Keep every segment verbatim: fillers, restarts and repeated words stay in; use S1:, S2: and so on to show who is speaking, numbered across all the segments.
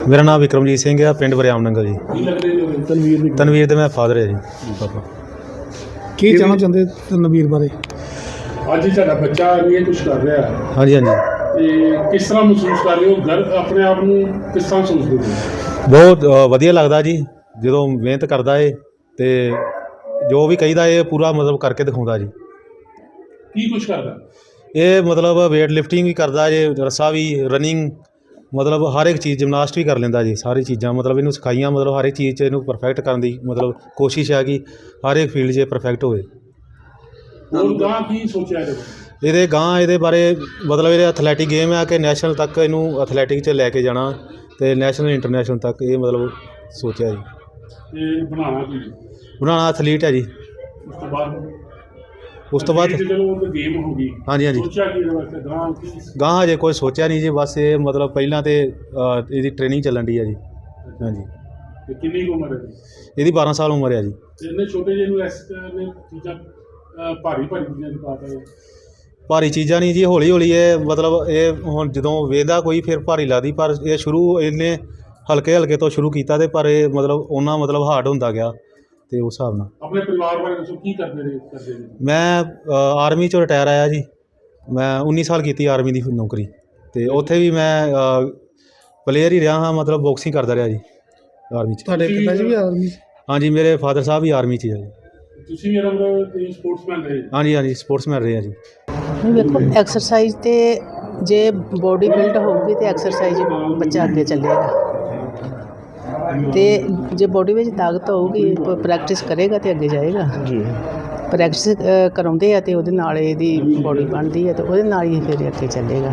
S1: मेरा नाम विक्रमजीत सिंह है, पिंड वरियाम नंगल जी।
S2: तनवीर ਦੀ
S1: तनवीर ਦੇ ਮੈਂ ਫਾਦਰ ਹੈ ਜੀ ਪਾਪਾ।
S2: ਕੀ ਕਹਿਣਾ ਚਾਹੁੰਦੇ ਤਨਵੀਰ ਬਾਰੇ?
S3: ਅੱਜ ਤੁਹਾਡਾ ਬੱਚਾ ਇਹ ਕੁਝ ਕਰ ਰਿਹਾ ਹੈ
S1: ਹਾਂਜੀ ਹਾਂਜੀ
S3: ਤੇ ਕਿਸ ਤਰ੍ਹਾਂ ਮਹਿਸੂਸ ਕਰ ਰਹੇ ਹੋ? ਘਰ ਆਪਣੇ ਆਪ ਨੂੰ ਕਿਸ ਤਰ੍ਹਾਂ ਸੋਚਦੇ ਹੋ?
S1: ਬਹੁਤ ਅ, ਵਧੀਆ ਲੱਗਦਾ ਜੀ ਜਦੋਂ ਮਿਹਨਤ ਕਰਦਾ ਏ ਤੇ ਜੋ ਵੀ ਕਹੀਦਾ ਇਹ ਪੂਰਾ ਮਤਲਬ ਕਰਕੇ ਦਿਖਾਉਂਦਾ ਜੀ।
S3: ਕੀ ਕੁਝ ਕਰਦਾ?
S1: ਇਹ ਮਤਲਬ ਵੇਟ ਲਿਫਟਿੰਗ ਵੀ ਕਰਦਾ ਜੇ, ਰੱਸਾ ਵੀ, ਰਨਿੰਗ, ਮਤਲਬ ਹਰ ਇੱਕ ਚੀਜ਼, ਜਿਮਨਾਸਟ ਵੀ ਕਰ ਲੈਂਦਾ ਜੀ। ਸਾਰੀ ਚੀਜ਼ਾਂ ਮਤਲਬ ਇਹਨੂੰ ਸਿਖਾਈਆਂ, ਮਤਲਬ ਹਰ ਇੱਕ ਚੀਜ਼ 'ਚ ਇਹਨੂੰ ਪਰਫੈਕਟ ਕਰਨ ਦੀ ਮਤਲਬ ਕੋਸ਼ਿਸ਼ ਹੈ ਕਿ ਹਰ ਇੱਕ ਫੀਲਡ 'ਚ ਪਰਫੈਕਟ ਹੋਵੇ।
S3: ਹੋਰ ਗਾਂ ਕੀ ਸੋਚਿਆ ਇਹਦੇ?
S1: ਇਹਦੇ ਗਾਂ ਇਹਦੇ ਬਾਰੇ ਮਤਲਬ ਇਹਦੇ ਐਥਲੈਟਿਕ ਗੇਮ ਹੈ ਕਿ ਨੈਸ਼ਨਲ ਤੱਕ ਇਹਨੂੰ ਐਥਲੈਟਿਕ 'ਚ ਲੈ ਕੇ ਜਾਣਾ ਅਤੇ ਨੈਸ਼ਨਲ ਇੰਟਰਨੈਸ਼ਨਲ ਤੱਕ ਇਹ ਮਤਲਬ ਸੋਚਿਆ ਜੀ।
S3: ਤੇ ਬਣਾਉਣਾ ਕੀ?
S1: ਬਣਾਉਣਾ ਐਥਲੀਟ ਹੈ ਜੀ।
S3: ਉਸ ਤੋਂ ਬਾਅਦ
S1: ਉਸ ਤੋਂ ਬਾਅਦ
S3: ਜਦੋਂ ਉਹ ਗੇਮ ਹੋ ਗਈ,
S1: ਹਾਂਜੀ ਹਾਂਜੀ
S3: ਸੋਚਿਆ ਕੀ ਇਹਦੇ ਵਾਸਤੇ ਗਾਂ ਕੀ?
S1: ਗਾਂ ਹਜੇ ਕੋਈ ਸੋਚਿਆ ਨਹੀਂ ਜੀ। ਬਸ ਇਹ ਮਤਲਬ ਪਹਿਲਾਂ ਤਾਂ ਇਹਦੀ ਟ੍ਰੇਨਿੰਗ ਚੱਲਣ ਦੀ ਹੈ ਜੀ। ਹਾਂਜੀ।
S3: ਤੇ ਕਿੰਨੀ ਕੁ ਉਮਰ ਹੈ
S1: ਇਹਦੀ ਬਾਰਾਂ ਸਾਲ ਉਮਰ ਹੈ ਜੀ।
S3: ਤੇ ਇੰਨੇ ਛੋਟੇ ਜਿਹੇ ਨੂੰ ਇਸ ਨੇ ਚੀਜ਼ਾਂ ਅਹ, ਭਾਰੀ ਭਾਰੀ ਚੀਜ਼ਾਂ ਦੀ ਪਾਤਾ ਹੈ।
S1: ਭਾਰੀ ਚੀਜ਼ਾਂ ਨਹੀਂ ਜੀ, ਹੌਲੀ ਹੌਲੀ ਇਹ ਮਤਲਬ ਇਹ ਹੁਣ ਜਦੋਂ ਵੇਖਦਾ ਕੋਈ ਫਿਰ ਭਾਰੀ ਲੱਗਦੀ, ਪਰ ਇਹ ਸ਼ੁਰੂ ਇਹਨੇ ਹਲਕੇ ਹਲਕੇ ਤੋਂ ਸ਼ੁਰੂ ਕੀਤਾ ਤੇ ਪਰ ਇਹ ਮਤਲਬ ਉਹਨਾਂ ਮਤਲਬ ਹਾਰਡ ਹੁੰਦਾ ਗਿਆ ਤੇ ਉਸ ਹਿਸਾਬ ਨਾਲ।
S3: ਆਪਣੇ ਪਰਿਵਾਰ ਬਾਰੇ ਦੱਸੋ, ਕੀ ਕਰਦੇ ਰਹੇ ਕਰਦੇ ਨੇ?
S1: ਮੈਂ ਆਰਮੀ 'ਚੋਂ ਰਿਟਾਇਰ ਆਇਆ ਜੀ। ਮੈਂ ਉੱਨੀ ਸਾਲ ਕੀਤੀ ਆਰਮੀ ਦੀ ਨੌਕਰੀ ਅਤੇ ਉੱਥੇ ਵੀ ਮੈਂ ਪਲੇਅਰ ਹੀ ਰਿਹਾ ਹਾਂ, ਮਤਲਬ ਬਾਕਸਿੰਗ ਕਰਦਾ ਰਿਹਾ ਜੀ ਆਰਮੀ 'ਚ।
S2: ਤੁਹਾਡੇ ਪਿਤਾ ਜੀ ਵੀ ਆਰਮੀ?
S1: ਹਾਂਜੀ, ਮੇਰੇ ਫਾਦਰ ਸਾਹਿਬ ਵੀ ਆਰਮੀ 'ਚ ਹੀ ਆ ਜੀ।
S3: ਤੁਸੀਂ ਵੀ ਇਹਨਾਂ ਸਪੋਰਟਸਮੈਨ ਰਹੇ?
S1: ਹਾਂਜੀ ਹਾਂਜੀ, ਸਪੋਰਟਸਮੈਨ ਰਹੇ ਆ ਜੀ।
S4: ਵੇਖੋ, ਐਕਸਰਸਾਈਜ਼ ਤੇ ਜੇ ਬੋਡੀ ਬਿਲਡ ਹੋਊਗੀ ਤੇ ਐਕਸਰਸਾਈਜ਼ ਬੱਚਾ ਅੱਗੇ ਚੱਲੇਗਾ, ਤੇ ਜੇ ਬੋਡੀ ਵਿੱਚ ਤਾਕਤ ਹੋਊਗੀ, ਪ੍ਰੈਕਟਿਸ ਕਰੇਗਾ ਤੇ ਅੱਗੇ ਜਾਏਗਾ ਜੀ। ਪ੍ਰੈਕਟਿਸ ਕਰਾਉਂਦੇ ਆ ਤੇ ਉਹਦੇ ਨਾਲ ਇਹਦੀ ਬੋਡੀ ਬਣਦੀ ਹੈ ਤੇ ਉਹਦੇ ਨਾਲ ਹੀ ਫਿਰ ਅੱਗੇ ਚੱਲੇਗਾ।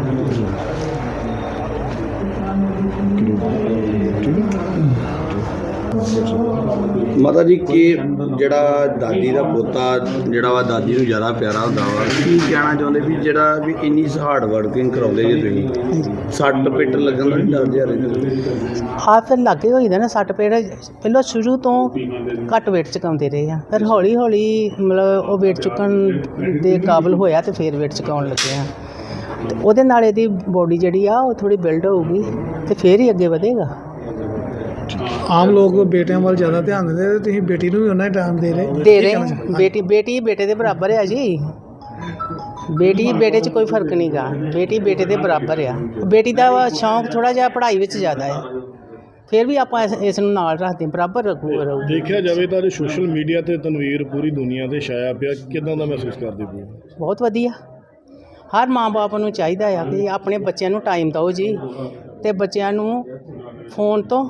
S5: ਮਾਤਾ ਜੀ ਕਿ ਜਿਹੜਾ ਦਾਦੀ ਦਾ ਪੋਤਾ ਜਿਹੜਾ ਵਾ ਦਾਦੀ ਨੂੰ ਜ਼ਿਆਦਾ ਪਿਆਰਾ ਹੁੰਦਾ ਵਾ, ਕੀ ਕਹਿਣਾ ਚਾਹੁੰਦੇ ਵੀ ਜਿਹੜਾ ਵੀ ਇੰਨੀ ਹਾਰਡ ਵਰਕਿੰਗ ਕਰਾਉਂਦੇ ਜੇ ਤੁਸੀਂ, ਸੱਟ ਪਿੱਟ ਲੱਗਣ ਦਾ ਡਰ ਜਿਹਾ ਰਹਿੰਦਾ?
S4: ਹਾਂ, ਫਿਰ ਲਾਗੇ ਹੋਈਦਾ ਨਾ ਸੱਟ ਪੇੜ। ਪਹਿਲਾਂ ਸ਼ੁਰੂ ਤੋਂ ਘੱਟ ਵੇਟ ਚੁਕਾਉਂਦੇ ਰਹੇ ਆ, ਫਿਰ ਹੌਲੀ ਹੌਲੀ ਮਤਲਬ ਉਹ ਵੇਟ ਚੁੱਕਣ ਦੇ ਕਾਬਲ ਹੋਇਆ ਤੇ ਫਿਰ ਵੇਟ ਚੁਕਾਉਣ ਲੱਗੇ ਆ ਤੇ ਉਹਦੇ ਨਾਲ ਇਹਦੀ ਬੋਡੀ ਜਿਹੜੀ ਆ ਉਹ ਥੋੜ੍ਹੀ ਬਿਲਡ ਹੋਊਗੀ ਤੇ ਫਿਰ ਹੀ ਅੱਗੇ ਵਧੇਗਾ।
S2: ਆਮ ਲੋਕ ਬੇਟਿਆਂ ਵੱਲ ਜ਼ਿਆਦਾ ਧਿਆਨ ਦਿੰਦੇ ਤੇ ਤੁਸੀਂ ਬੇਟੀ ਨੂੰ ਵੀ ਉਹਨਾਂ ਹੀ ਟਾਈਮ ਦੇ ਰਹੇ?
S4: ਦੇ ਰਹੇ ਬੇਟੀ ਬੇਟੀ ਬੇਟੇ ਦੇ ਬਰਾਬਰ ਆ ਜੀ। ਬੇਟੀ ਬੇਟੇ 'ਚ ਕੋਈ ਫਰਕ ਨਹੀਂ ਗਾ, ਬੇਟੀ ਬੇਟੇ ਦੇ ਬਰਾਬਰ ਆ। ਬੇਟੀ ਦਾ ਸ਼ੌਂਕ ਥੋੜ੍ਹਾ ਜਿਹਾ ਪੜ੍ਹਾਈ ਵਿੱਚ ਜ਼ਿਆਦਾ ਆ, ਫਿਰ ਵੀ ਆਪਾਂ ਇਸ ਇਸ ਨੂੰ ਨਾਲ ਰੱਖਦੇ ਬਰਾਬਰ ਰੱਖੂ ਰਹੂ।
S6: ਦੇਖਿਆ ਜਾਵੇ ਤਾਂ ਜੋ ਸੋਸ਼ਲ ਮੀਡੀਆ ਤੇ ਤਨਵੀਰ ਪੂਰੀ ਦੁਨੀਆ ਤੇ ਛਾਇਆ ਪਿਆ, ਕਿੱਦਾਂ ਦਾ ਮਹਿਸੂਸ ਕਰਦੇ ਪਏ?
S4: ਬਹੁਤ ਵਧੀਆ। ਹਰ ਮਾਂ ਬਾਪ ਨੂੰ ਚਾਹੀਦਾ ਆ ਕਿ ਆਪਣੇ ਬੱਚਿਆਂ ਨੂੰ ਟਾਈਮ ਦਿਓ ਜੀ, ਅਤੇ ਬੱਚਿਆਂ ਨੂੰ ਫੋਨ ਤੋਂ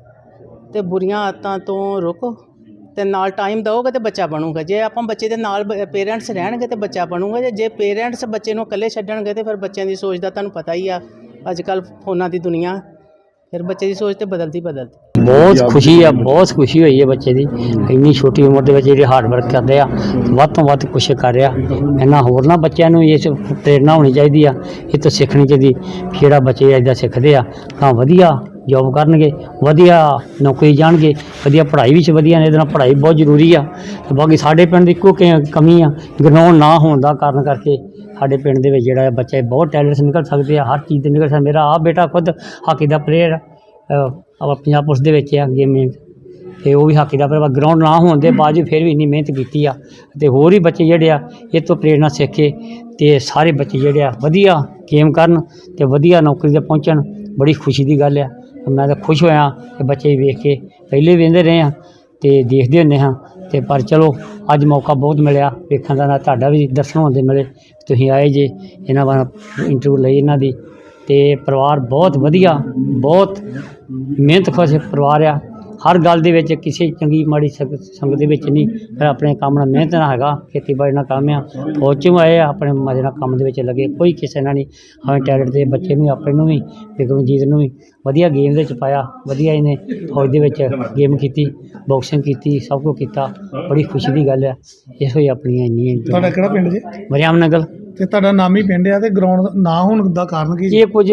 S4: ਅਤੇ ਬੁਰੀਆਂ ਆਦਤਾਂ ਤੋਂ ਰੋਕੋ ਅਤੇ ਨਾਲ ਟਾਈਮ ਦਿਓਗੇ ਤਾਂ ਬੱਚਾ ਬਣੂਗਾ। ਜੇ ਆਪਾਂ ਬੱਚੇ ਦੇ ਨਾਲ ਪੇਰੈਂਟਸ ਰਹਿਣਗੇ ਤਾਂ ਬੱਚਾ ਬਣੂਗਾ। ਜੇ ਜੇ ਪੇਰੈਂਟਸ ਬੱਚੇ ਨੂੰ ਇਕੱਲੇ ਛੱਡਣਗੇ ਤਾਂ ਫਿਰ ਬੱਚਿਆਂ ਦੀ ਸੋਚ ਦਾ ਤੁਹਾਨੂੰ ਪਤਾ ਹੀ ਆ, ਅੱਜ ਕੱਲ੍ਹ ਫੋਨਾਂ ਦੀ ਦੁਨੀਆ, ਫਿਰ ਬੱਚੇ ਦੀ ਸੋਚ ਤਾਂ ਬਦਲਦੀ ਬਦਲਦੀ।
S7: ਬਹੁਤ ਖੁਸ਼ੀ ਆ, ਬਹੁਤ ਖੁਸ਼ੀ ਹੋਈ ਹੈ ਬੱਚੇ ਦੀ। ਇੰਨੀ ਛੋਟੀ ਉਮਰ ਦੇ ਵਿੱਚ ਜਿਹੜੇ ਹਾਰਡ ਵਰਕ ਕਰਦੇ ਆ, ਵੱਧ ਤੋਂ ਵੱਧ ਕੁਛ ਕਰ ਰਿਹਾ। ਇਹਨਾਂ ਹੋਰ ਨਾ ਬੱਚਿਆਂ ਨੂੰ ਇਸ ਪ੍ਰੇਰਨਾ ਹੋਣੀ ਚਾਹੀਦੀ ਆ, ਇਹ ਤੋਂ ਸਿੱਖਣੀ ਚਾਹੀਦੀ। ਜਿਹੜਾ ਬੱਚੇ ਇੱਦਾਂ ਸਿੱਖਦੇ ਆ ਤਾਂ ਵਧੀਆ ਜੋਬ ਕਰਨਗੇ, ਵਧੀਆ ਨੌਕਰੀ ਜਾਣਗੇ, ਵਧੀਆ ਪੜ੍ਹਾਈ ਵਿੱਚ ਵਧੀਆ ਨੇ। ਇਹਦੇ ਨਾਲ ਪੜ੍ਹਾਈ ਬਹੁਤ ਜ਼ਰੂਰੀ ਆ। ਅਤੇ ਬਾਕੀ ਸਾਡੇ ਪਿੰਡ ਦੀ ਇੱਕੋ ਕਮੀ ਆ, ਗਰਾਊਂਡ ਨਾ ਹੋਣ ਦਾ ਕਾਰਨ ਕਰਕੇ ਸਾਡੇ ਪਿੰਡ ਦੇ ਵਿੱਚ ਜਿਹੜਾ ਬੱਚੇ ਬਹੁਤ ਟੈਲੈਂਟਸ ਨਿਕਲ ਸਕਦੇ ਆ, ਹਰ ਚੀਜ਼ ਦੇ ਨਿਕਲ ਸਕਦੇ। ਮੇਰਾ ਆਪ ਬੇਟਾ ਖੁਦ ਹਾਕੀ ਦਾ ਪਲੇਅਰ ਆਪਾਂ ਪੰਜਾਬ ਪੁਲਿਸ ਦੇ ਵਿੱਚ ਆ ਗੇਮਿੰਗ, ਅਤੇ ਉਹ ਵੀ ਹਾਕੀ ਦਾ ਪਲੇਅਰ। ਗਰਾਊਂਡ ਨਾ ਹੋਣ ਦੇ ਬਾਵਜੂਦ ਫਿਰ ਵੀ ਇੰਨੀ ਮਿਹਨਤ ਕੀਤੀ ਆ, ਅਤੇ ਹੋਰ ਵੀ ਬੱਚੇ ਜਿਹੜੇ ਆ ਇਹ ਤੋਂ ਪ੍ਰੇਰਨਾ ਸਿੱਖ ਕੇ ਅਤੇ ਸਾਰੇ ਬੱਚੇ ਜਿਹੜੇ ਆ ਵਧੀਆ ਗੇਮ ਕਰਨ ਅਤੇ ਵਧੀਆ ਨੌਕਰੀ 'ਤੇ ਪਹੁੰਚਣ। ਬੜੀ ਖੁਸ਼ੀ ਦੀ ਗੱਲ ਆ। ਮੈਂ ਤਾਂ ਖੁਸ਼ ਹੋਇਆ ਕਿ ਬੱਚੇ ਵੇਖ ਕੇ, ਪਹਿਲੇ ਵੇਖਦੇ ਰਹੇ ਹਾਂ ਅਤੇ ਦੇਖਦੇ ਹੁੰਦੇ ਹਾਂ, ਅਤੇ ਪਰ ਚਲੋ ਅੱਜ ਮੌਕਾ ਬਹੁਤ ਮਿਲਿਆ ਵੇਖਣ ਦਾ, ਨਾ ਤੁਹਾਡਾ ਵੀ ਦਰਸ਼ਨ ਹੋਣ ਦੇ ਮਿਲੇ, ਤੁਸੀਂ ਆਏ ਜੇ, ਇਹਨਾਂ ਵਾਰ ਇੰਟਰਵਿਊ ਲਈ ਇਹਨਾਂ ਦੀ। ਅਤੇ ਪਰਿਵਾਰ ਬਹੁਤ ਵਧੀਆ, ਬਹੁਤ ਮਿਹਨਤਕਸ਼ ਪਰਿਵਾਰ ਆ। ਹਰ ਗੱਲ ਦੇ ਵਿੱਚ ਕਿਸੇ ਚੰਗੀ ਮਾੜੀ ਸੰਗ ਸੰਗਤ ਦੇ ਵਿੱਚ ਨਹੀਂ, ਫਿਰ ਆਪਣੇ ਕੰਮ ਨਾਲ ਮਿਹਨਤ ਨਾਲ ਹੈਗਾ, ਖੇਤੀਬਾੜੀ ਨਾਲ ਕੰਮ ਆ। ਫੌਜ 'ਚੋਂ ਆਏ ਆ, ਆਪਣੇ ਮਜ਼ੇ ਨਾਲ ਕੰਮ ਦੇ ਵਿੱਚ ਲੱਗੇ, ਕੋਈ ਕਿਸੇ ਨਾਲ ਨਹੀਂ। ਹਾਂ, ਟੈਲੈਂਟ ਦੇ ਬੱਚੇ ਨੂੰ ਆਪਣੇ ਨੂੰ ਵੀ, ਵਿਕਰਮਜੀਤ ਨੂੰ ਵੀ ਵਧੀਆ ਗੇਮ ਦੇ ਵਿੱਚ ਪਾਇਆ। ਵਧੀਆ ਇਹਨੇ ਫੌਜ ਦੇ ਵਿੱਚ ਗੇਮ ਕੀਤੀ, ਬਾਕਸਿੰਗ ਕੀਤੀ, ਸਭ ਕੁਝ ਕੀਤਾ। ਬੜੀ ਖੁਸ਼ੀ ਦੀ ਗੱਲ ਆ। ਇਹੋ ਹੀ ਆਪਣੀਆਂ ਇੰਨੀਆਂ।
S2: ਤੁਹਾਡਾ ਕਿਹੜਾ ਪਿੰਡ ਜੀ?
S7: ਵਰਿਆਮ ਨੰਗਲ।
S2: ਤੇ ਤੁਹਾਡਾ ਨਾਮ ਹੀ ਪਿੰਡ ਆ ਤੇ ਗਰਾਊਂਡ ਨਾ ਹੋਣ ਦਾ ਕਾਰਨ ਕੀ?
S7: ਇਹ ਕੁਝ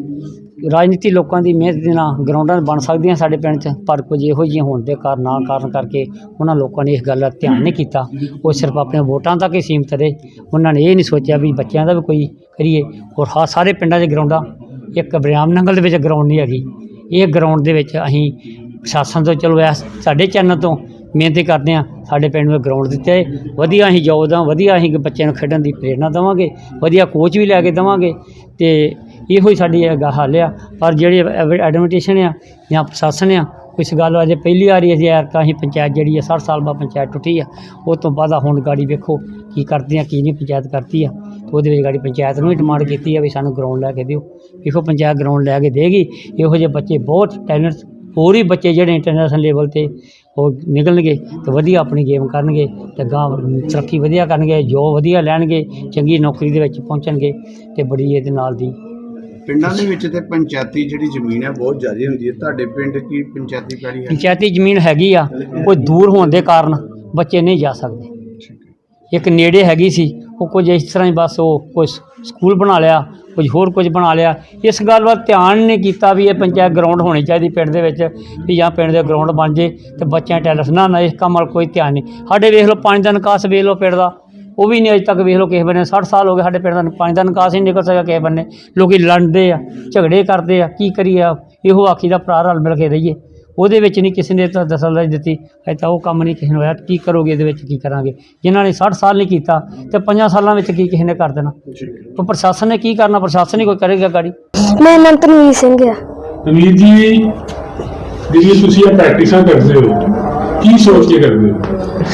S7: ਰਾਜਨੀਤੀ ਲੋਕਾਂ ਦੀ ਮਿਹਨਤ ਦੇ ਨਾਲ ਗਰਾਊਂਡਾਂ ਬਣ ਸਕਦੀਆਂ ਸਾਡੇ ਪਿੰਡ 'ਚ, ਪਰ ਕੁਝ ਇਹੋ ਜਿਹੀਆਂ ਹੋਣ ਦੇ ਕਾਰਨ ਨਾ ਕਾਰਨ ਕਰਕੇ ਉਹਨਾਂ ਲੋਕਾਂ ਨੇ ਇਸ ਗੱਲ ਦਾ ਧਿਆਨ ਨਹੀਂ ਕੀਤਾ। ਉਹ ਸਿਰਫ ਆਪਣੇ ਵੋਟਾਂ ਤੱਕ ਹੀ ਸੀਮਤ ਰਹੇ। ਉਹਨਾਂ ਨੇ ਇਹ ਨਹੀਂ ਸੋਚਿਆ ਵੀ ਬੱਚਿਆਂ ਦਾ ਵੀ ਕੋਈ ਕਰੀਏ। ਔਰ ਹਾਂ, ਸਾਰੇ ਪਿੰਡਾਂ 'ਚ ਗਰਾਊਂਡਾਂ, ਇੱਕ ਵਰਿਆਮ ਨੰਗਲ ਦੇ ਵਿੱਚ ਗਰਾਊਂਡ ਨਹੀਂ ਹੈਗੀ, ਇਹ ਗਰਾਊਂਡ ਦੇ ਵਿੱਚ ਅਸੀਂ ਪ੍ਰਸ਼ਾਸਨ ਤੋਂ ਚਲੋ ਇਸ ਸਾਡੇ ਚੈਨਲ ਤੋਂ ਮਿਹਨਤ ਕਰਦੇ ਹਾਂ, ਸਾਡੇ ਪਿੰਡ ਨੂੰ ਗਰਾਊਂਡ ਦਿੱਤੇ ਵਧੀਆ, ਅਸੀਂ ਜੋਬ ਦਾ ਵਧੀਆ ਅਸੀਂ ਬੱਚਿਆਂ ਨੂੰ ਖੇਡਣ ਦੀ ਪ੍ਰੇਰਨਾ ਦੇਵਾਂਗੇ, ਵਧੀਆ ਕੋਚ ਵੀ ਲੈ ਕੇ ਦੇਵਾਂਗੇ ਅਤੇ ਇਹੋ ਹੀ ਸਾਡੀ ਹੈਗਾ ਹੱਲ ਆ। ਪਰ ਜਿਹੜੇ ਐਡਮਿਨਿਸਟ੍ਰੇਸ਼ਨ ਆ ਜਾਂ ਪ੍ਰਸ਼ਾਸਨ ਆ, ਇਸ ਗੱਲ ਅਜੇ ਪਹਿਲੀ ਵਾਰੀ ਅਜੇ ਐਰਕਾ ਅਸੀਂ ਪੰਚਾਇਤ ਜਿਹੜੀ ਆ ਸੱਠ ਸਾਲ ਬਾਅਦ ਪੰਚਾਇਤ ਟੁੱਟੀ ਆ, ਉਹ ਤੋਂ ਬਾਅਦ ਹੁਣ ਗਾੜੀ ਵੇਖੋ ਕੀ ਕਰਦੀ ਆ ਕੀ ਨਹੀਂ ਪੰਚਾਇਤ ਕਰਦੀ ਆ। ਤੇ ਉਹਦੇ ਵਿੱਚ ਗਾੜੀ ਪੰਚਾਇਤ ਨੂੰ ਵੀ ਡਿਮਾਂਡ ਕੀਤੀ ਆ ਵੀ ਸਾਨੂੰ ਗਰਾਊਂਡ ਲੈ ਕੇ ਦਿਓ, ਵੇਖੋ ਪੰਚਾਇਤ ਗਰਾਊਂਡ ਲੈ ਕੇ ਦੇਗੀ। ਇਹੋ ਜਿਹੇ ਬੱਚੇ ਬਹੁਤ ਟੈਲੈਂਟ ਹੋਰ ਵੀ ਬੱਚੇ ਜਿਹੜੇ ਇੰਟਰਨੈਸ਼ਨਲ ਲੈਵਲ 'ਤੇ ਉਹ ਨਿਕਲਣਗੇ ਅਤੇ ਵਧੀਆ ਆਪਣੀ ਗੇਮ ਕਰਨਗੇ ਅਤੇ ਅਗਾਂਹ ਤਰੱਕੀ ਵਧੀਆ ਕਰਨਗੇ, ਜੋਬ ਵਧੀਆ ਲੈਣਗੇ, ਚੰਗੀ ਨੌਕਰੀ ਦੇ ਵਿੱਚ ਪਹੁੰਚਣਗੇ ਅਤੇ ਬੜੀ ਇਹਦੇ ਨਾਲ ਦੀ।
S5: ਪਿੰਡਾਂ ਦੇ ਵਿੱਚ ਤੇ ਪੰਚਾਇਤੀ ਜਿਹੜੀ ਜ਼ਮੀਨ ਹੈ ਬਹੁਤ ਜ਼ਿਆਦਾ ਹੁੰਦੀ ਹੈ, ਤੁਹਾਡੇ ਪਿੰਡ ਕੀ ਪੰਚਾਇਤੀ ਪੈਲੀ ਹੈ?
S7: ਪੰਚਾਇਤੀ ਜ਼ਮੀਨ ਹੈਗੀ ਆ, ਕੋਈ ਦੂਰ ਹੋਣ ਦੇ ਕਾਰਨ ਬੱਚੇ ਨਹੀਂ ਜਾ ਸਕਦੇ। ਇੱਕ ਨੇੜੇ ਹੈਗੀ ਸੀ, ਉਹ ਕੁਝ ਇਸ ਤਰ੍ਹਾਂ ਹੀ ਬਸ ਉਹ ਕੁਝ ਸਕੂਲ ਬਣਾ ਲਿਆ, ਕੁਝ ਹੋਰ ਕੁਝ ਬਣਾ ਲਿਆ। ਇਸ ਗੱਲ ਵੱਲ ਧਿਆਨ ਨਹੀਂ ਕੀਤਾ ਵੀ ਇਹ ਪੰਚਾਇਤ ਗਰਾਊਂਡ ਹੋਣੀ ਚਾਹੀਦੀ ਪਿੰਡ ਦੇ ਵਿੱਚ, ਵੀ ਜਾਂ ਪਿੰਡ ਦੇ ਗਰਾਊਂਡ ਬਣ ਜੇ ਅਤੇ ਬੱਚਿਆਂ ਟੈਲੈਂਟ ਨਾ ਨਾ ਇਸ ਕੰਮ ਵੱਲ ਕੋਈ ਧਿਆਨ ਨਹੀਂ। ਸਾਡੇ ਵੇਖ ਲਓ ਪਾਣੀ ਦਾ ਨਿਕਾਸ ਵੇਖ ਲਓ ਪਿੰਡ ਦਾ, ਉਹ ਵੀ ਨਹੀਂ ਅਜੇ ਤੱਕ ਵੇਖ ਲਓ ਕਿਸੇ ਬੰਨੇ ਸੱਠ ਸਾਲ ਹੋ ਗਏ ਸਾਡੇ ਪਿੰਡ ਦਾ ਪਾਣੀ ਦਾ ਨਿਕਾਸ ਹੀ ਨਹੀਂ ਨਿਕਲ ਸਕਿਆ ਕਿਸੇ ਬੰਨੇ। ਲੋਕ ਲੜਦੇ ਆ, ਝਗੜੇ ਕਰਦੇ ਆ, ਕੀ ਕਰੀਏ? ਇਹੋ ਆਖੀ ਦਾ ਭਰਾ ਰਲ ਮਿਲ ਕੇ ਰਹੀਏ, ਉਹਦੇ ਵਿੱਚ ਨਹੀਂ ਕਿਸੇ ਨੇ ਤਾਂ ਦਖਲਅੰਦਾਜ਼ੀ ਦਿੱਤੀ। ਅਜੇ ਤਾਂ ਉਹ ਕੰਮ ਨਹੀਂ ਕਿਸੇ ਨੂੰ ਹੋਇਆ, ਕੀ ਕਰੋਗੇ ਇਹਦੇ ਵਿੱਚ, ਕੀ ਕਰਾਂਗੇ? ਜਿਨ੍ਹਾਂ ਨੇ ਸੱਠ ਸਾਲ ਨਹੀਂ ਕੀਤਾ ਅਤੇ ਪੰਜਾਂ ਸਾਲਾਂ ਵਿੱਚ ਕੀ ਕਿਸੇ ਨੇ ਕਰ ਦੇਣਾ? ਤਾਂ ਪ੍ਰਸ਼ਾਸਨ ਨੇ ਕੀ ਕਰਨਾ? ਪ੍ਰਸ਼ਾਸਨ ਹੀ ਕੋਈ ਕਰੇਗਾ ਗਾੜੀ।
S8: ਮੇਰਾ ਨਾਮ ਤਨਵੀਰ ਸਿੰਘ ਆ।
S3: ਤਨਵੀਰ ਜੀ, ਜਿਹੜੀ ਤੁਸੀਂ ਇਹ ਪ੍ਰੈਕਟਿਸਾਂ ਕਰਦੇ ਹੋ, ਕੀ ਸੋਚ ਕੇ ਕਰਦੇ ਹੋ?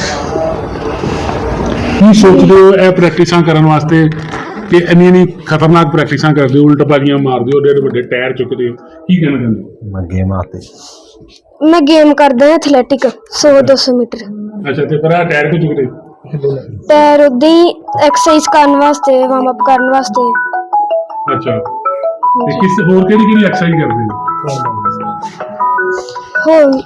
S3: ਕੀ ਸੋਚਦੇ ਹੋ ਇਹ ਪ੍ਰੈਕਟਿਸਾਂ ਕਰਨ ਵਾਸਤੇ ਕਿ ਇੰਨੀ ਇੰਨੀ ਖਤਰਨਾਕ ਪ੍ਰੈਕਟਿਸਾਂ ਕਰਦੇ ਹੋ, ਉਲਟ ਬਾਜ਼ੀਆਂ ਮਾਰਦੇ ਹੋ, ਏਡੇ ਵੱਡੇ ਟਾਇਰ ਚੁੱਕਦੇ ਹੋ, ਕੀ ਕਹਿਣਾ ਚਾਹੁੰਦੇ ਹੋ?
S1: ਮੈਂ ਗੇਮ ਆਤੇ
S8: ਮੈਂ ਗੇਮ ਕਰਦਾ ਐਥਲੈਟਿਕ ਸੌ ਦੋ ਸੌ ਮੀਟਰ।
S3: ਅੱਛਾ, ਤੇ ਪਰ ਆਹ ਟਾਇਰ ਕਿਉਂ ਚੁੱਕਦੇ?
S8: ਟਾਇਰ ਉੱਦਾਂ ਹੀ ਐਕਸਰਸਾਈਜ਼ ਕਰਨ ਵਾਸਤੇ, ਵਾਰਮ ਅਪ ਕਰਨ ਵਾਸਤੇ।
S3: ਅੱਛਾ, ਤੇ ਕਿਸ ਹੋਰ ਕਿਹੜੀ ਕਿਹੜੀ ਐਕਸਰਸਾਈਜ਼ ਕਰਦੇ ਹੋ?
S8: ਹੋਰ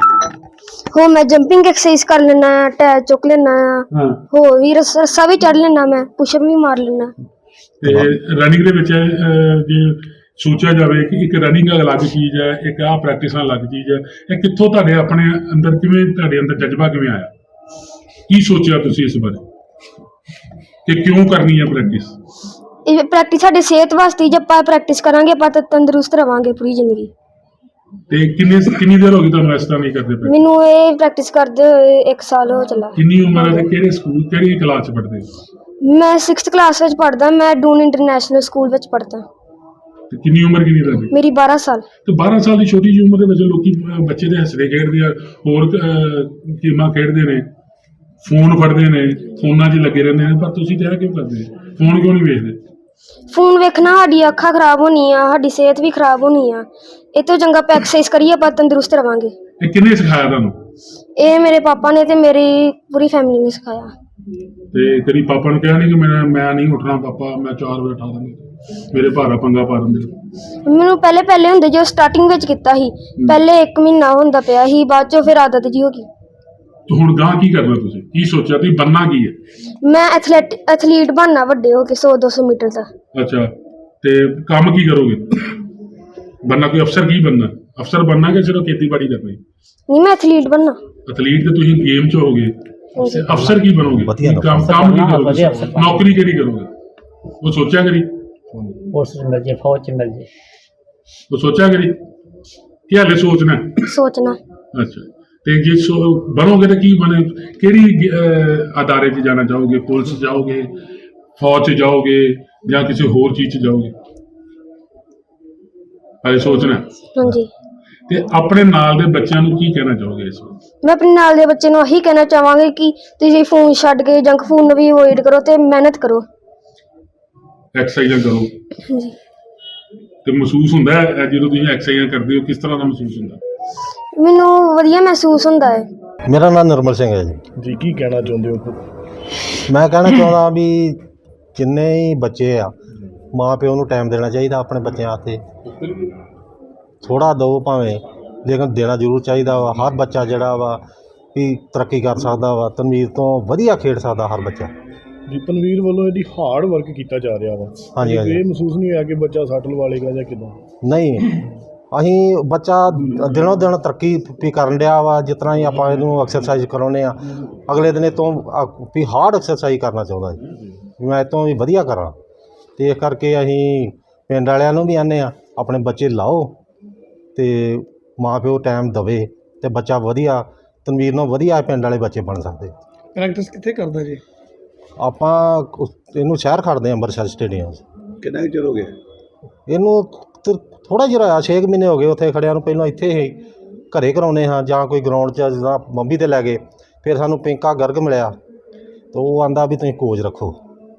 S8: ਹੋ ਮੈਂ ਜੰਪਿੰਗ ਐਕਸਰਸਾਈਜ਼ ਕਰ ਲੈਣਾ, ਟਾਇਰ ਚੁੱਕ ਲੈਣਾ,
S3: ਹਾਂ,
S8: ਹੋਰ ਵੀ ਰੱਸ- ਰੱਸਾ ਵੀ ਚੜ ਲੈਣਾ, ਮੈਂ ਪੁਸ਼ਅਪ ਵੀ ਮਾਰ ਲੈਣਾ।
S3: ਤੇ ਰਨਿੰਗ ਦੇ ਵਿੱਚ ਅਹ, ਜੇ ਸੋਚਿਆ ਜਾਵੇ ਕਿ ਇੱਕ ਰਨਿੰਗ ਅਲੱਗ ਚੀਜ਼ ਹੈ, ਇੱਕ ਆਹ ਪ੍ਰੈਕਟਿਸਾਂ ਅਲੱਗ ਚੀਜ਼ ਹੈ, ਇਹ ਕਿੱਥੋਂ ਤੁਹਾਡੇ ਆਪਣੇ ਅੰਦਰ ਕਿਵੇਂ, ਤੁਹਾਡੇ ਅੰਦਰ ਜਜ਼ਬਾ ਕਿਵੇਂ ਆਇਆ? ਕੀ ਸੋਚਿਆ ਤੁਸੀਂ ਇਸ ਬਾਰੇ ਕਿ ਕਿਉਂ ਕਰਨੀ ਹੈ ਪ੍ਰੈਕਟਿਸ?
S8: ਇਹ ਪ੍ਰੈਕਟਿਸ ਸਾਡੀ ਸਿਹਤ ਵਾਸਤੇ, ਜੇ ਆਪਾਂ ਪ੍ਰੈਕਟਿਸ ਕਰਾਂਗੇ ਆਪਾਂ ਤਾਂ ਤੰਦਰੁਸਤ ਰਵਾਂਗੇ ਪੂਰੀ ਜ਼ਿੰਦਗੀ।
S3: ਤੇ ਕਿੰਨੇ ਕਿੰਨੀ ਦੇਰ ਹੋ ਗਈ ਤੁਹਾਨੂੰ ਇਸ ਤਰ੍ਹਾਂ ਨਹੀਂ ਕਰਦੇ ਪਏ?
S8: ਮੈਨੂੰ ਇਹ ਪ੍ਰੈਕਟਿਸ ਕਰਦੇ ਹੋਏ ਇੱਕ ਸਾਲ ਹੋ ਚੱਲਾ।
S3: ਕਿੰਨੀ ਉਮਰ ਹੈ ਤੇ ਕਿਹੜੇ ਸਕੂਲ, ਕਿਹੜੀ ਕਲਾਸ 'ਚ ਪੜ੍ਹਦੇ ਹੋ?
S8: ਮੈਂ ਸਿਕਸਥ ਕਲਾਸ ਵਿੱਚ ਪੜ੍ਹਦਾ, ਮੈਂ ਡੂਨ ਇੰਟਰਨੈਸ਼ਨਲ ਸਕੂਲ ਵਿੱਚ ਪੜ੍ਹਦਾ।
S3: ਤੇ ਕਿੰਨੀ ਉਮਰ ਕਿੰਨੀ ਤੁਹਾਡੀ?
S8: ਮੇਰੀ ਬਾਰਾਂ ਸਾਲ।
S3: ਤੇ ਬਾਰਾਂ ਸਾਲ ਦੀ ਛੋਟੀ ਜਿਹੀ ਉਮਰ ਦੇ ਵਿੱਚ ਲੋਕੀ ਅਹ, ਬੱਚੇ ਦੇ ਹੱਸਦੇ ਖੇਡਦੇ ਆ, ਹੋਰ ਅਹ, ਗੇਮਾਂ ਖੇਡਦੇ ਨੇ, ਫੋਨ ਫੜਦੇ ਨੇ, ਫੋਨਾਂ 'ਚ ਲੱਗੇ ਰਹਿੰਦੇ ਨੇ, ਪਰ ਤੁਸੀਂ ਤਾਂ ਇਹ ਕਿਉਂ ਕਰਦੇ? ਫੋਨ ਕਿਉਂ ਨਹੀਂ ਵੇਖਦੇ?
S8: ਫੋਨ ਵੇਖਣਾ ਸਾਡੀ ਅੱਖਾਂ ਖਰਾਬ ਹੋਣੀ ਆ, ਸਾਡੀ ਸਿਹਤ ਵੀ ਖਰਾਬ ਹੋਣੀ ਆ। ਇਹ ਤੋਂ ਚੰਗਾ ਆਪਾਂ ਐਕਸਰਸਾਈਜ਼ ਕਰੀਏ, ਆਪਾਂ ਤੰਦਰੁਸਤ ਰਵਾਂਗੇ।
S3: ਇਹ ਕਿਹਨੇ ਸਿਖਾਇਆ ਤੁਹਾਨੂੰ?
S8: ਇਹ ਮੇਰੇ ਪਾਪਾ ਨੇ ਤੇ ਮੇਰੀ ਪੂਰੀ ਫੈਮਿਲੀ ਨੇ ਸਿਖਾਇਆ।
S3: ਤੇ ਤੇਰੀ ਪਾਪਾ ਨੂੰ ਕਿਹਾ ਨਹੀਂ ਕਿ ਮੈਂ ਮੈਂ ਨਹੀਂ ਉੱਠਣਾ ਪਾਪਾ, ਮੈਂ ਚਾਰ ਵਜੇ ਉਠਾ ਦਾਂਗੇ, ਮੇਰੇ ਭਾਰਾ ਪੰਗਾ ਪਾ ਦਿੰਦੇ?
S8: ਮੈਨੂੰ ਪਹਿਲੇ ਪਹਿਲੇ ਹੁੰਦੇ ਜੋ ਸਟਾਰਟਿੰਗ ਵਿੱਚ ਕੀਤਾ ਸੀ, ਪਹਿਲੇ ਇੱਕ ਮਹੀਨਾ ਹੁੰਦਾ ਪਿਆ ਸੀ, ਬਾਅਦ ਚੋਂ ਫਿਰ ਆਦਤ ਜੀ ਹੋ ਗਈ।
S3: ਤੇ ਹੁਣ ਗਾਂ ਕੀ ਕਰਨਾ ਤੁਸੀਂ? ਕੀ ਸੋਚਿਆ ਤੁਸੀਂ ਬਣਨਾ ਕੀ ਹੈ?
S8: ਮੈਂ ਐਥਲੈਟ ਐਥਲੀਟ ਬਣਨਾ ਵੱਡੇ ਹੋ ਕੇ ਸੌ ਦੋ ਸੌ ਮੀਟਰ ਦਾ।
S3: ਅੱਛਾ, ਤੇ ਕੰਮ ਕੀ ਕਰੋਗੇ? ਬਣਨਾ ਕੋਈ ਅਫਸਰ ਕੀ ਬਣਨਾ? ਅਫਸਰ ਬਣਨਾ ਕਿ ਸਿਰਫ ਖੇਤੀਬਾੜੀ ਕਰਨੀ?
S8: ਨਹੀਂ, ਮੈਂ ਐਥਲੀਟ ਬਣਨਾ।
S3: ਐਥਲੀਟ ਤੇ ਤੁਸੀਂ ਗੇਮ 'ਚ ਹੋਗੇ, ਤੇ ਅਫਸਰ ਕੀ ਬਣੋਗੇ?
S1: ਵਧੀਆ
S3: ਕੀ ਕੰਮ ਕੰਮ ਕੀ ਕਰੋਗੇ?
S7: ਵਧੀਆ ਅਫਸਰ ਬਣਨਾ।
S3: ਨੌਕਰੀ ਕਿਹੜੀ ਕਰੋਗੇ? ਉਹ ਸੋਚਿਆ ਕਰੀ,
S7: ਪੁਲਿਸ 'ਚ ਮਿਲ ਜੇ, ਫੌਜ 'ਚ ਮਿਲ ਜੇ।
S3: ਉਹ ਸੋਚਿਆ ਕਰੀ ਕਿ ਹਾਲੇ ਸੋਚਣਾ ਹੈ?
S8: ਸੋਚਣਾ।
S3: ਅੱਛਾ, ਤੇ ਜੇ ਸੋ ਬਣੋਗੇ ਤਾਂ ਕੀ ਬਣੇ? ਕਿਹੜੀ ਅਹ, ਅਦਾਰੇ 'ਚ ਜਾਣਾ ਚਾਹੋਗੇ? ਪੁਲਿਸ 'ਚ ਜਾਓਗੇ, ਫੌਜ 'ਚ ਜਾਓਗੇ, ਜਾਂ ਕਿਸੇ ਹੋਰ ਚੀਜ਼ 'ਚ ਜਾਓਗੇ? ਹਾਲੇ ਸੋਚਣਾ ਹੈ।
S8: ਹਾਂਜੀ।
S3: ਤੇ ਆਪਣੇ ਨਾਲ ਦੇ ਬੱਚਿਆਂ ਨੂੰ ਕੀ ਕਹਿਣਾ ਚਾਹੋਗੇ ਇਸ ਵਕਤ?
S8: ਮੈਂ ਆਪਣੇ ਨਾਲ ਦੇ ਬੱਚੇ ਨੂੰ ਇਹੀ ਕਹਿਣਾ ਚਾਹਾਂਗੇ ਕਿ ਤੁਸੀਂ ਫੋਨ ਛੱਡ ਕੇ ਜੰਕ ਫੂਡ ਨੂੰ ਵੀ ਅਵੋਇਡ ਕਰੋ ਤੇ ਮਿਹਨਤ ਕਰੋ।
S3: ਐਕਸਰਸਾਈਜ਼ਾਂ ਕਰੋ।
S8: ਹਾਂਜੀ।
S3: ਤੇ ਮਹਿਸੂਸ ਹੁੰਦਾ ਹੈ ਇਹ ਜਦੋਂ ਤੁਸੀਂ ਐਕਸਰਸਾਈਜ਼ਾਂ ਕਰਦੇ ਹੋ, ਕਿਸ ਤਰ੍ਹਾਂ ਦਾ ਮਹਿਸੂਸ ਹੁੰਦਾ?
S8: ਮੈਨੂੰ ਵਧੀਆ ਮਹਿਸੂਸ ਹੁੰਦਾ ਹੈ।
S1: ਮੇਰਾ ਨਾਮ ਨਿਰਮਲ ਸਿੰਘ ਹੈ ਜੀ।
S6: ਜੀ, ਕੀ ਕਹਿਣਾ ਚਾਹੁੰਦੇ ਹੋ?
S1: ਮੈਂ ਕਹਿਣਾ ਚਾਹੁੰਦਾ ਵੀ ਜਿੰਨੇ ਹੀ ਬੱਚੇ ਆ, ਮਾਂ ਪਿਓ ਨੂੰ ਟਾਈਮ ਦੇਣਾ ਚਾਹੀਦਾ ਆਪਣੇ ਬੱਚਿਆਂ ਵਾਸਤੇ। ਥੋੜ੍ਹਾ ਦਿਓ ਭਾਵੇਂ, ਲੇਕਿਨ ਦੇਣਾ ਜ਼ਰੂਰ ਚਾਹੀਦਾ ਵਾ। ਹਰ ਬੱਚਾ ਜਿਹੜਾ ਵਾ ਵੀ ਤਰੱਕੀ ਕਰ ਸਕਦਾ ਵਾ, ਤਨਵੀਰ ਤੋਂ ਵਧੀਆ ਖੇਡ ਸਕਦਾ ਹਰ ਬੱਚਾ।
S6: ਜੀ, ਤਨਵੀਰ ਵੱਲੋਂ ਇਹਦੀ ਹਾਰਡ ਵਰਕ ਕੀਤਾ ਜਾ ਰਿਹਾ ਵਾ।
S1: ਹਾਂਜੀ, ਹਾਂਜੀ।
S6: ਇਹ ਮਹਿਸੂਸ ਨਹੀਂ ਹੋਇਆ ਕਿ ਬੱਚਾ ਸੱਟ ਲਵਾ ਲੇਗਾ ਜਾਂ ਕਿੱਦਾਂ?
S1: ਨਹੀਂ, ਅਸੀਂ ਬੱਚਾ ਦਿਨੋਂ ਦਿਨ ਤਰੱਕੀ ਵੀ ਕਰਨ ਡਿਆ ਵਾ। ਜਿਸ ਤਰ੍ਹਾਂ ਹੀ ਆਪਾਂ ਇਹਨੂੰ ਐਕਸਰਸਾਈਜ਼ ਕਰਾਉਂਦੇ ਆ, ਅਗਲੇ ਦਿਨ ਇਹ ਤੋਂ ਵੀ ਹਾਰਡ ਐਕਸਰਸਾਈਜ਼ ਕਰਨਾ ਚਾਹੁੰਦਾ ਜੀ, ਮੈਂ ਇਹ ਤੋਂ ਵੀ ਵਧੀਆ ਕਰਾਂ। ਅਤੇ ਇਸ ਕਰਕੇ ਅਸੀਂ ਪਿੰਡ ਵਾਲਿਆਂ ਨੂੰ ਵੀ ਆਨੇ ਆ ਆਪਣੇ ਬੱਚੇ ਲਾਓ ਤੇ ਮਾਂ ਪਿਓ ਟਾਈਮ ਦਵੇ ਤੇ ਬੱਚਾ ਵਧੀਆ ਤਨਵੀਰ ਨੂੰ ਵਧੀਆ ਪਿੰਡ ਵਾਲੇ ਬੱਚੇ ਬਣ ਸਕਦੇ।
S2: ਪ੍ਰੈਕਟਿਸ ਕਿੱਥੇ ਕਰਦਾ ਜੀ?
S1: ਆਪਾਂ ਉਸ- ਇਹਨੂੰ ਸ਼ਹਿਰ ਖੜਦੇ ਹਾਂ ਅੰਮ੍ਰਿਤਸਰ ਸਟੇਡੀਅਮ 'ਚ।
S5: ਕਿੰਨਾ ਕੁ ਚਿਰ ਹੋ ਗਿਆ?
S1: ਇਹਨੂੰ ਥੋੜ੍ਹਾ ਜਿਹਾ ਹੋਇਆ, ਛੇ ਕੁ ਮਹੀਨੇ ਹੋ ਗਏ ਉੱਥੇ ਖੜਿਆਂ ਨੂੰ। ਪਹਿਲਾਂ ਇੱਥੇ ਹੀ ਘਰੇ ਕਰਾਉਂਦੇ ਹਾਂ ਜਾਂ ਕੋਈ ਗਰਾਊਂਡ 'ਚ ਜਿੱਦਾਂ ਬੰਬੀ 'ਤੇ ਲੈ ਗਏ। ਫਿਰ ਸਾਨੂੰ ਪਿੰਕਾ ਗਰਗ ਮਿਲਿਆ ਤਾਂ ਉਹ ਆਂਦਾ ਵੀ ਤੁਸੀਂ ਕੋਚ ਰੱਖੋ,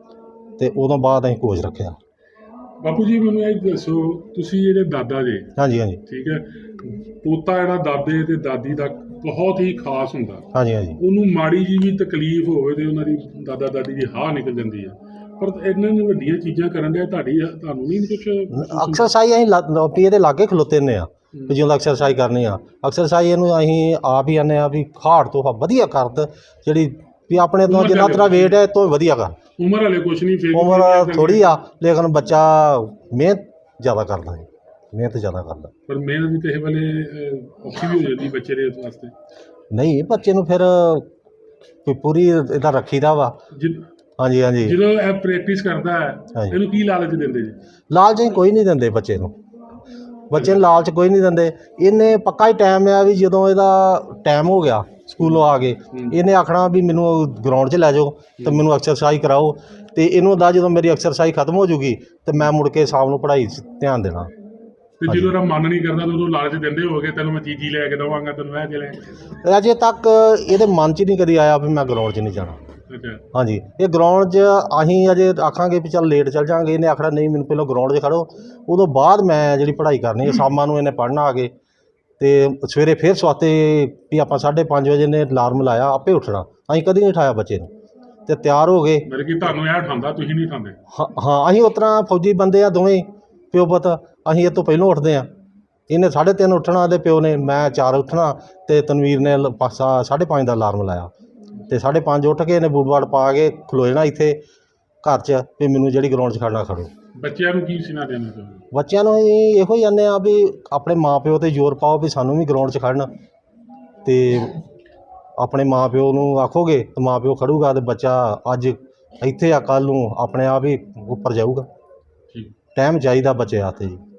S1: ਤੇ ਉਦੋਂ ਬਾਅਦ ਅਸੀਂ ਕੋਚ ਰੱਖਿਆ।
S3: ਬਾਪੂ ਜੀ ਮੈਨੂੰ ਇਹ ਦੱਸੋ, ਤੁਸੀਂ ਜਿਹੜੇ ਦਾਦਾ ਜੀ,
S1: ਹਾਂਜੀ ਹਾਂਜੀ
S3: ਠੀਕ ਹੈ, ਪੋਤਾ ਜਿਹੜਾ ਦਾਦੇ ਤੇ ਦਾਦੀ ਦਾ ਬਹੁਤ ਹੀ ਖਾਸ ਹੁੰਦਾ,
S1: ਹਾਂਜੀ ਹਾਂਜੀ
S3: ਉਹਨੂੰ ਮਾੜੀ ਜੀ ਵੀ ਤਕਲੀਫ ਹੋਵੇ ਤੇ ਉਹਨਾਂ ਦੀ ਦਾਦਾ ਦਾਦੀ ਦੀ ਹਾਂ ਨਿਕਲ ਜਾਂਦੀ ਹੈ। ਪਰ ਇਹਨਾਂ ਨੇ ਵੱਡੀਆਂ ਚੀਜ਼ਾਂ ਕਰਨ ਦੇ ਤੁਹਾਡੀ ਤੁਹਾਨੂੰ ਨਹੀਂ ਕੁਛ?
S1: ਐਕਸਰਸਾਈਜ਼ ਅਸੀਂ ਲਾ- ਵੀ ਇਹਦੇ ਲਾਗੇ ਖਲੋਤੇ ਨੇ ਆ ਵੀ ਜਦੋਂ ਐਕਸਰਸਾਈਜ਼ ਕਰਨੀ ਆ, ਐਕਸਰਸਾਈਜ਼ ਇਹਨੂੰ ਅਸੀਂ ਆਪ ਹੀ ਆਨੇ ਆ ਵੀ ਹਾਰਡ ਤੋਂ ਵਧੀਆ ਕਰਦ, ਜਿਹੜੀ ਵੀ ਆਪਣੇ ਤੋਂ ਜਿੰਨਾ ਤੇਰਾ ਵੇਟ ਹੈ ਇਹ ਤੋਂ ਵਧੀਆ ਕਰ।
S3: ਉਮਰ ਹਲੇ ਕੁਛ ਨਹੀਂ, ਫਿਰ
S1: ਉਮਰ ਥੋੜ੍ਹੀ ਆ ਲੇਕਿਨ ਬੱਚਾ ਮਿਹਨਤ ਜ਼ਿਆਦਾ ਕਰਦਾ ਹੈ, ਮਿਹਨਤ ਜ਼ਿਆਦਾ ਕਰਦਾ।
S3: ਪਰ ਮਿਹਨਤ ਵੀ ਕਿਸੇ ਵੇਲੇ ਅਹ, ਔਖੀ ਵੀ ਹੋ ਜਾਂਦੀ ਬੱਚੇ ਦੇ ਵਾਸਤੇ।
S1: ਨਹੀਂ ਬੱਚੇ ਨੂੰ ਫਿਰ ਕੋਈ ਪੂਰੀ ਇਹਦਾ ਰੱਖੀਦਾ ਵਾ।
S3: ਜਿ-
S1: ਹਾਂਜੀ ਹਾਂਜੀ
S3: ਜਦੋਂ ਇਹ ਪ੍ਰੈਕਟਿਸ ਕਰਦਾ ਹੈ,
S1: ਹਾਂਜੀ।
S3: ਇਹਨੂੰ ਕੀ ਲਾਲਚ ਦਿੰਦੇ ਜੀ?
S1: ਲਾਲਚ ਅਸੀਂ ਕੋਈ ਨਹੀਂ ਦਿੰਦੇ ਬੱਚੇ ਨੂੰ, ਬੱਚੇ ਨੂੰ ਲਾਲਚ ਕੋਈ ਨਹੀਂ ਦਿੰਦੇ। ਇਹਨੇ ਪੱਕਾ ਹੀ ਟਾਈਮ ਆ ਵੀ ਜਦੋਂ ਇਹਦਾ ਟਾਈਮ ਹੋ ਗਿਆ ਸਕੂਲੋਂ ਆ ਕੇ ਇਹਨੇ ਆਖਣਾ ਵੀ ਮੈਨੂੰ ਗਰਾਊਂਡ 'ਚ ਲੈ ਜਾਓ ਤੇ ਮੈਨੂੰ ਐਕਸਰਸਾਈਜ਼ ਕਰਾਓ, ਤੇ ਇਹਨੂੰ ਦਾ ਜਦੋਂ ਮੇਰੀ ਐਕਸਰਸਾਈਜ਼ ਖਤਮ ਹੋ ਜੂਗੀ ਤੇ ਮੈਂ ਮੁੜ ਕੇ ਸ਼ਾਮ ਨੂੰ ਪੜ੍ਹਾਈ 'ਚ ਧਿਆਨ ਦੇਣਾ।
S3: ਤੇ ਜਦੋਂ ਇਹਦਾ ਮਨ ਨਹੀਂ ਕਰਦਾ ਤਾਂ ਉਦੋਂ ਲਾਲਚ ਦਿੰਦੇ ਹੋਗੇ, ਤੈਨੂੰ ਮੈਂ ਚੀਜ਼ੀ ਲੈ ਕੇ ਦੇਵਾਂਗਾ, ਤੈਨੂੰ ਇਹ ਲੈ ਕੇ।
S1: ਅਜੇ ਤੱਕ ਇਹਦੇ ਮਨ 'ਚ ਨਹੀਂ ਕਦੀ ਆਇਆ ਵੀ ਮੈਂ ਗਰਾਊਂਡ 'ਚ ਨਹੀਂ ਜਾਣਾ।
S3: ਅੱਛਾ,
S1: ਹਾਂਜੀ ਇਹ ਗਰਾਊਂਡ 'ਚ ਅਸੀਂ ਅਜੇ ਆਖਾਂਗੇ ਵੀ ਚੱਲ ਲੇਟ ਚੱਲ ਜਾਵਾਂਗੇ, ਇਹਨੇ ਆਖਣਾ ਨਹੀਂ ਮੈਨੂੰ ਪਹਿਲਾਂ ਗਰਾਊਂਡ 'ਚ ਖੜੋ, ਉਦੋਂ ਬਾਅਦ ਮੈਂ ਜਿਹੜੀ ਪੜ੍ਹਾਈ ਕਰਨੀ ਹੈ। ਸ਼ਾਮਾਂ ਨੂੰ ਇਹਨੇ ਪੜ੍ਹਨਾ ਆ ਕੇ ਤੇ ਸਵੇਰੇ ਫਿਰ ਸਵਾਤੇ ਵੀ ਆਪਾਂ ਸਾਢੇ ਪੰਜ ਵਜੇ ਨੇ ਅਲਾਰਮ ਲਾਇਆ ਆਪੇ ਉੱਠਣਾ, ਅਸੀਂ ਕਦੀ ਨਹੀਂ ਉਠਾਇਆ ਬੱਚੇ ਨੂੰ, ਤੇ ਤਿਆਰ ਹੋ ਗਏ।
S3: ਮੇਰੇ ਕੀ ਤੁਹਾਨੂੰ ਇਹ ਉਠਾਉਂਦਾ, ਤੁਸੀਂ ਨਹੀਂ ਉਠਾਉਂਦੇ?
S1: ਹਾਂ ਹਾਂ ਅਸੀਂ ਉਸ ਤਰ੍ਹਾਂ ਫੌਜੀ ਬੰਦੇ ਆ ਦੋਵੇਂ ਪਿਓ ਪੁੱਤ, ਅਸੀਂ ਇਹ ਤੋਂ ਪਹਿਲਾਂ ਉੱਠਦੇ ਹਾਂ। ਇਹਨੇ ਸਾਢੇ ਤਿੰਨ ਉੱਠਣਾ ਦੇ ਪਿਓ ਨੇ, ਮੈਂ ਚਾਰ ਉੱਠਣਾ, ਤੇ ਤਨਵੀਰ ਨੇ ਲ- ਪਾਸਾ ਸਾਢੇ ਪੰਜ ਦਾ ਅਲਾਰਮ ਲਾਇਆ ਤੇ ਸਾਢੇ ਪੰਜ ਉੱਠ ਕੇ ਇਹਨੇ ਬੂਟ ਬਾਟ ਪਾ ਕੇ ਖਲੋ ਜਾਣਾ ਇੱਥੇ ਘਰ 'ਚ ਵੀ ਮੈਨੂੰ ਜਿਹੜੀ ਗਰਾਊਂਡ 'ਚ ਖੜਨਾ ਖੜੋ।
S3: ਬੱਚਿਆਂ ਨੂੰ ਕੀ ਸੁਣਾ ਦੇਣਾ ਚਾਹੁੰਦੇ?
S1: ਬੱਚਿਆਂ ਨੂੰ ਅਸੀਂ ਇਹੋ ਹੀ ਕਹਿੰਦੇ ਆ ਵੀ ਆਪਣੇ ਮਾਂ ਪਿਓ 'ਤੇ ਜ਼ੋਰ ਪਾਓ ਵੀ ਸਾਨੂੰ ਵੀ ਗਰਾਊਂਡ 'ਚ ਖੜਨ, ਤੇ ਆਪਣੇ ਮਾਂ ਪਿਓ ਨੂੰ ਆਖੋਗੇ ਤਾਂ ਮਾਂ ਪਿਓ ਖੜੂਗਾ ਤੇ ਬੱਚਾ ਅੱਜ ਇੱਥੇ ਆ ਕੱਲ੍ਹ ਨੂੰ ਆਪਣੇ ਆਪ ਹੀ ਉੱਪਰ ਜਾਊਗਾ।
S3: ਠੀਕ।
S1: ਟਾਈਮ ਚਾਹੀਦਾ ਬੱਚੇ ਵਾਸਤੇ ਜੀ।